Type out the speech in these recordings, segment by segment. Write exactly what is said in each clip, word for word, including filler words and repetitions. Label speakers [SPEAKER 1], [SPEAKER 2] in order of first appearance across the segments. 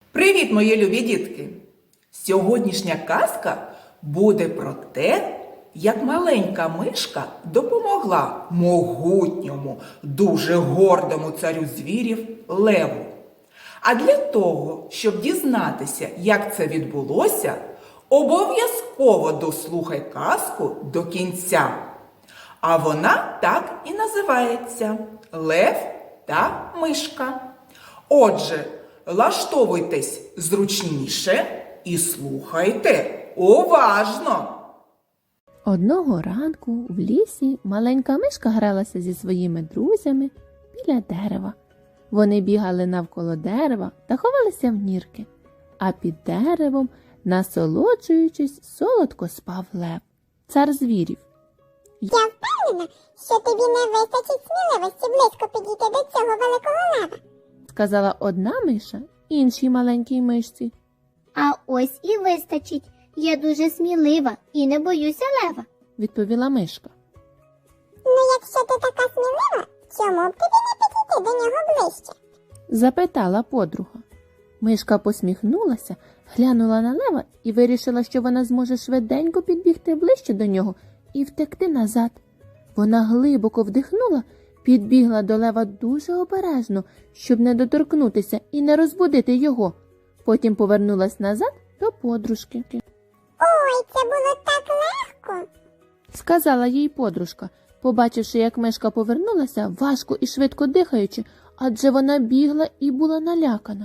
[SPEAKER 1] Привіт, мої любі дітки! Сьогоднішня казка буде про те, як маленька мишка допомогла могутньому, дуже гордому царю звірів леву. А для того, щоб дізнатися, як це відбулося, обов'язково дослухай казку до кінця. А вона так і називається «Лев та мишка». Отже, влаштовуйтесь зручніше і слухайте уважно.
[SPEAKER 2] Одного ранку в лісі маленька мишка гралася зі своїми друзями біля дерева. Вони бігали навколо дерева та ховалися в нірки, а під деревом, насолоджуючись, солодко спав лев, цар звірів.
[SPEAKER 3] Я впевнена, що тобі не вистачить сміливості близько підійти до цього великого лева.
[SPEAKER 2] Сказала одна миша іншій маленькій мишці.
[SPEAKER 4] А ось і вистачить. Я дуже смілива і не боюся лева.
[SPEAKER 2] Відповіла мишка.
[SPEAKER 3] Ну, якщо ти така смілива, чому б тобі не підійти до нього ближче?
[SPEAKER 2] Запитала подруга. Мишка посміхнулася, глянула на лева і вирішила, що вона зможе швиденько підбігти ближче до нього і втекти назад. Вона глибоко вдихнула, підбігла до лева дуже обережно, щоб не доторкнутися і не розбудити його. Потім повернулась назад до подружки.
[SPEAKER 3] Ой, це було так легко.
[SPEAKER 2] Сказала їй подружка, побачивши, як мишка повернулася, важко і швидко дихаючи, адже вона бігла і була налякана.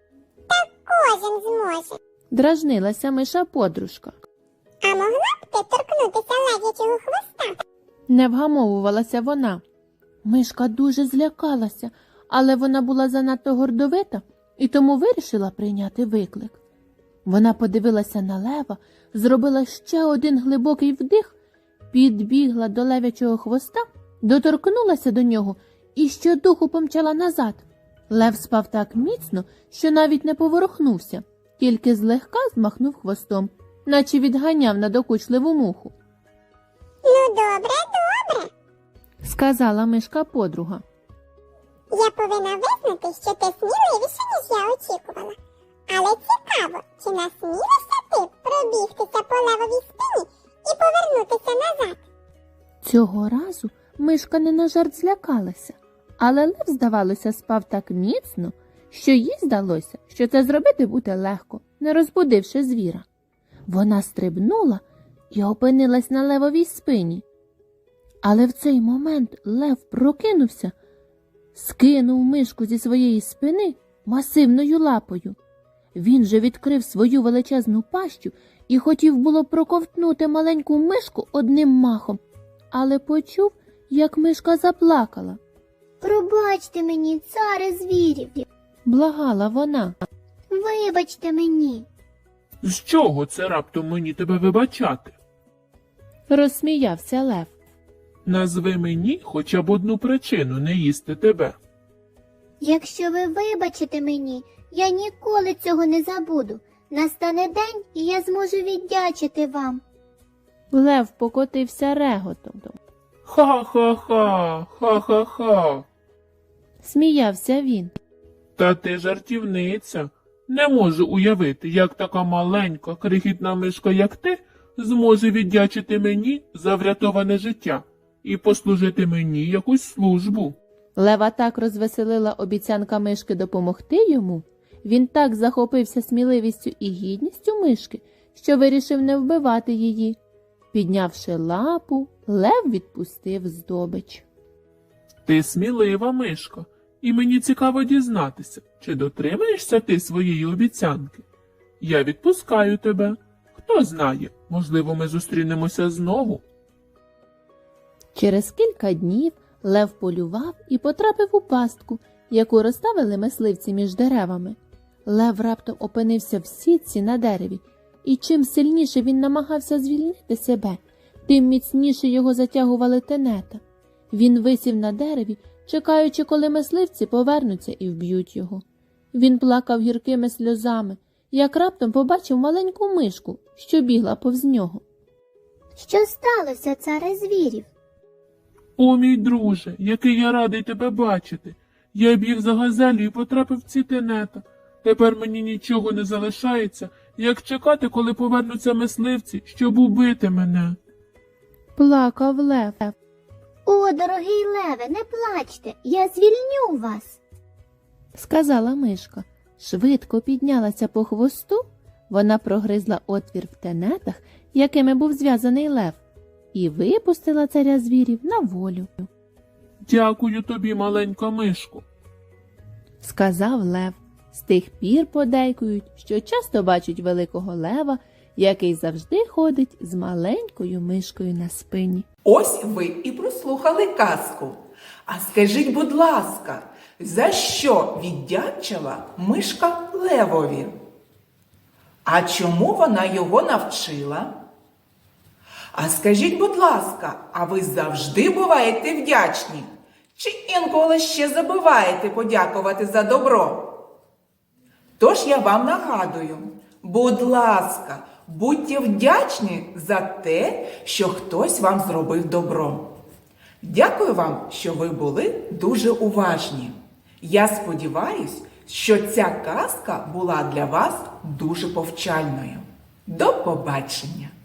[SPEAKER 3] Кожен зможе.
[SPEAKER 2] Дражнилася миша подружка.
[SPEAKER 3] А могла б ти торкнутися лев'ячого хвоста?
[SPEAKER 2] Не вгамовувалася вона. Мишка дуже злякалася, але вона була занадто гордовита і тому вирішила прийняти виклик. Вона подивилася на лева, зробила ще один глибокий вдих, підбігла до лев'ячого хвоста, доторкнулася до нього і щодуху помчала назад. Лев спав так міцно, що навіть не поворухнувся, тільки злегка змахнув хвостом, наче відганяв надокучливу муху.
[SPEAKER 3] Ну, добре, добре.
[SPEAKER 2] Сказала мишка подруга.
[SPEAKER 3] Я повинна визнати, що ти сміливіша, ніж я очікувала. Але цікаво, чи насмілишся ти пробігтися по левовій спині і повернутися назад?
[SPEAKER 2] Цього разу мишка не на жарт злякалася, але лев, здавалося, спав так міцно, що їй здалося, що це зробити буде легко, не розбудивши звіра. Вона стрибнула і опинилась на левовій спині. Але в цей момент лев прокинувся, скинув мишку зі своєї спини масивною лапою. Він же відкрив свою величезну пащу і хотів було проковтнути маленьку мишку одним махом, але почув, як мишка заплакала.
[SPEAKER 4] Пробачте мені, царе звірів.
[SPEAKER 2] Благала вона.
[SPEAKER 4] Вибачте мені.
[SPEAKER 5] З чого це раптом мені тебе вибачати?
[SPEAKER 2] Розсміявся лев.
[SPEAKER 5] Назви мені хоча б одну причину не їсти тебе.
[SPEAKER 4] Якщо ви вибачите мені, я ніколи цього не забуду. Настане день, і я зможу віддячити вам.
[SPEAKER 2] Лев покотився реготом.
[SPEAKER 5] Ха-ха-ха, ха-ха-ха.
[SPEAKER 2] Сміявся він.
[SPEAKER 5] Та ти жартівниця. Не можу уявити, як така маленька, крихітна мишка, як ти, зможе віддячити мені за врятоване життя і послужити мені якусь службу.
[SPEAKER 2] Лева так розвеселила обіцянка мишки допомогти йому, він так захопився сміливістю і гідністю мишки, що вирішив не вбивати її. Піднявши лапу, лев відпустив здобич.
[SPEAKER 5] Ти смілива мишка, і мені цікаво дізнатися, чи дотримаєшся ти своєї обіцянки. Я відпускаю тебе. Хто знає, можливо, ми зустрінемося знову.
[SPEAKER 2] Через кілька днів лев полював і потрапив у пастку, яку розставили мисливці між деревами. Лев раптом опинився в сітці на дереві, і чим сильніше він намагався звільнити себе, тим міцніше його затягували тенета. Він висів на дереві, чекаючи, коли мисливці повернуться і вб'ють його. Він плакав гіркими сльозами, як раптом побачив маленьку мишку, що бігла повз нього.
[SPEAKER 4] Що сталося, царе звірів?
[SPEAKER 5] О, мій друже, який я радий тебе бачити. Я біг за газелю і потрапив в ці тенета. Тепер мені нічого не залишається, як чекати, коли повернуться мисливці, щоб убити мене.
[SPEAKER 2] Плакав лев.
[SPEAKER 4] О, дорогий леве, не плачте, я звільню вас.
[SPEAKER 2] Сказала мишка. Швидко піднялася по хвосту, вона прогризла отвір в тенетах, якими був зв'язаний лев, і випустила царя звірів на волю.
[SPEAKER 5] Дякую тобі, маленька мишко.
[SPEAKER 2] Сказав лев. З тих пір подейкують, що часто бачать великого лева, який завжди ходить з маленькою мишкою на спині.
[SPEAKER 1] Ось ви і прослухали казку. А скажіть, будь ласка, за що віддячила мишка левові? А чому вона його навчила? А скажіть, будь ласка, а ви завжди буваєте вдячні? Чи інколи ще забуваєте подякувати за добро? Тож я вам нагадую, будь ласка, будьте вдячні за те, що хтось вам зробив добро. Дякую вам, що ви були дуже уважні. Я сподіваюсь, що ця казка була для вас дуже повчальною. До побачення!